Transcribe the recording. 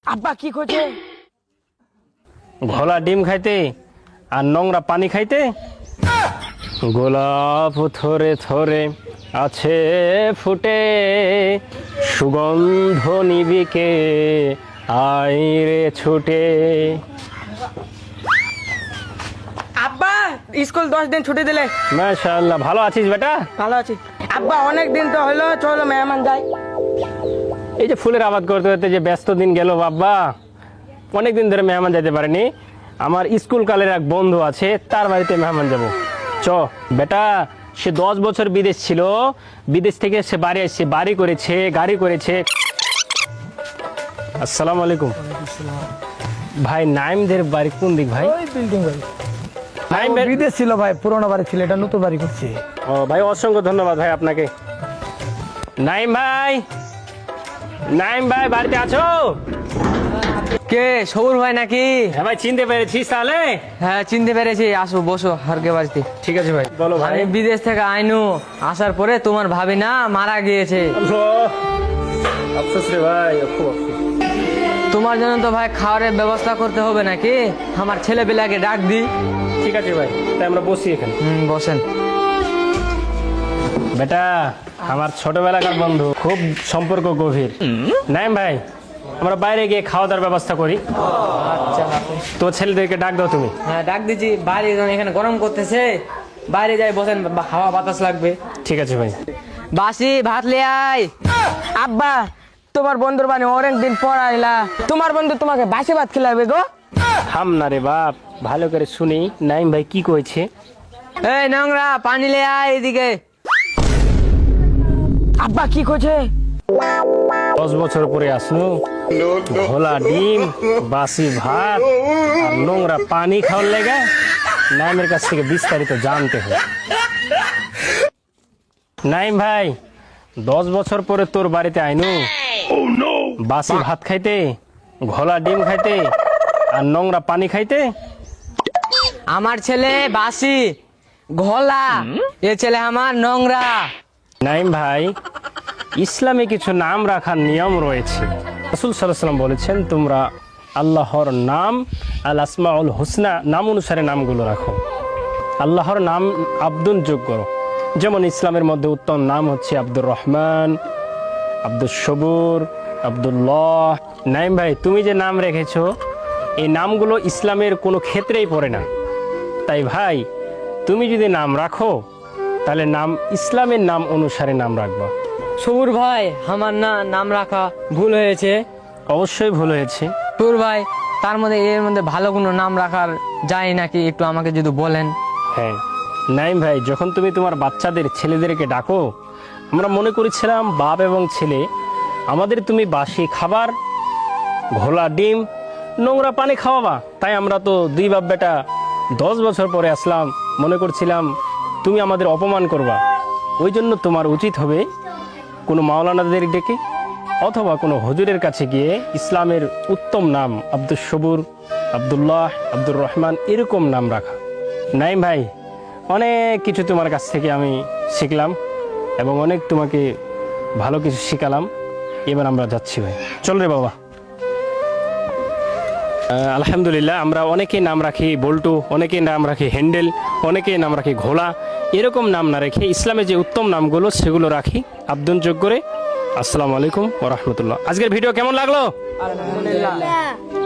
আব্বা কি করছে? ঘোলা ডিম খাইতে আর নোংরা পানি খাইতে। গোলাপ থরে থরে আছে ফুটে, সুগন্ধ নিবিকে আইরে ছুটে। আব্বা স্কুল 10 দিন ছুটি দিলে। মাশাআল্লাহ, ভালো আছিস বেটা? ভালো আছি আব্বা, অনেক দিন তো হলো, চলো মেহমান যাই। এই যে ফুলের আবাদ করতে করতে যে ব্যস্ত দিন গেল বাবা, অনেকদিন ধরে মেহমান যেতে পারেনি। আমার স্কুল কালের এক বন্ধু আছে, তার বাড়িতে মেহমান যাব। চ বেটা, সে 10 বছর বিদেশ ছিল, বিদেশ থেকে সে বাড়ি আসছে, বাড়ি করেছে, গাড়ি করেছে। আসসালামু আলাইকুম ভাই। নাইমদের বাড়ি কোন দিক ভাই? ওই বিল্ডিং বাড়ি। নাইম ও বিদেশ ছিল ভাই, পুরোনো বাড়ি ছিল, এটা নতুন বাড়ি করছে। ও ভাই, অসংখ্য ধন্যবাদ ভাই আপনাকে। নাইম ভাই, নাইম ভাই বাড়িতে আছো? কে সবুর ভাই নাকি? হ্যাঁ ভাই, চিনতে পেরেছিস তাহলে? হ্যাঁ চিনতে পেরেছি, আসো বসো হারকে বাড়িতে। ঠিক আছে ভাই, বলো ভাই। আমি বিদেশ থেকে আইনু, আসার পরে তোমার ভাবি না মারা গিয়েছে। আফসোস রে ভাই, খুব আফসোস। তোমার জন্য তো ভাই খাবারের ব্যবস্থা করতে হবে নাকি? আমার ছেলে পেলাকে ডাক দি। ঠিক আছে ভাই, তাই আমরা বসি এখানে। বসেন। বেটা, আমার ছোটবেলাকার বন্ধু, খুব সম্পর্ক গভীর। নাইম ভাই, আমরা বাইরে গিয়ে খাওয়া দাওয়ার ব্যবস্থা করি। আচ্ছা তো ছেলেদেরকে ডাক দাও তুমি। হ্যাঁ ডাক দিচ্ছি, বাইরে এখানে গরম করতেছে, বাইরে যাই বসেন, হাওয়া বাতাস লাগবে। ঠিক আছে ভাই। বাসি ভাত লে আয়। আব্বা তোমার বন্ধুর বাড়ি অনেক দিন পর আইলা, তোমার বন্ধু তোমাকে বাসি ভাত খেলাবে গো। থাম না রে বাপ, ভালো করে শুনি নাইম ভাই কি কইছে। এই নোংরা পানি লে আয় এদিকে। আব্বা কি করছে? 10 বছর পরে আসলো, ঘোলা ডিম, বাসি ভাত আর নোংরা পানি খাওয়ার লেগে নাইমের কাছ থেকে বিস্তারিত জানতে হয়। নাইম ভাই, 10 বছর পরে তোর বাড়িতে আইনু, বাসি ভাত খাইতে, ঘোলা ডিম খাইতে আর নোংরা পানি খাইতে। আমার ছেলে বাসি ঘোলা, এ ছেলে আমার নোংরা। নাইম ভাই, ইসলামে কিছু নাম রাখার নিয়ম রয়েছে। রাসূল সাল্লাল্লাহু আলাইহি ওয়াসাল্লাম বলেছেন, তোমরা আল্লাহর নাম আল আসমাউল হুসনা নাম অনুসারে নামগুলো রাখো। আল্লাহর নাম আব্দুল যোগ করো। যেমন ইসলামের মধ্যে উত্তম নাম হচ্ছে আব্দুর রহমান, আব্দুল সবুর, আব্দুল্লাহ। নাইম ভাই, তুমি যে নাম রেখেছো, এই নামগুলো ইসলামের কোনো ক্ষেত্রেই পড়ে না। তাই ভাই, তুমি যদি নাম রাখো তাহলে নাম ইসলামের নাম অনুসারে নাম রাখবা। সবুর ভাই, আমার নাম রাখা ভুল হয়েছে। অবশ্যই ভুল হয়েছে। সবুর ভাই, তার মধ্যে এর মধ্যে ভালো কোনো নাম রাখার যায় নাকি, একটু আমাকে যদি বলেন। হ্যাঁ নাইম ভাই, যখন তুমি তোমার বাচ্চাদের ছেলেদেরকে ডাকো, আমরা মনে করেছিলাম বাপ এবং ছেলে আমাদের তুমি বাসি খাবার, ঘোলা ডিম, নোংরা পানি খাওয়াবা। তাই আমরা তো দুই বাপ বেটা 10 বছর পরে আসলাম, মনে করছিলাম তুমি আমাদের অপমান করবা। ওই জন্য তোমার উচিত হবে কোনো মাওলানাদের ডেকে অথবা কোনো হুজুরের কাছে গিয়ে ইসলামের উত্তম নাম আব্দুল সবুর, আব্দুল্লাহ, আব্দুর রহমান এরকম নাম রাখা। নাইম ভাই, অনেক কিছু তোমার কাছ থেকে আমি শিখলাম এবং অনেক তোমাকে ভালো কিছু শিখালাম। এবার আমরা যাচ্ছি ভাই, চল রে বাবা। আলহামদুলিল্লাহ, আমরা অনেকেই নাম রাখি বল্টু, অনেকেই নাম রাখি হ্যান্ডেল, অনেকেই নাম রাখি ঘোলা। এরকম নাম না রেখে ইসলামে যে উত্তম নামগুলো সেগুলো রাখি আব্দুল যোগ করে। আসসালামু আলাইকুম ওয়া রাহমাতুল্লাহ। আজকের ভিডিও কেমন লাগলো? আলহামদুলিল্লাহ।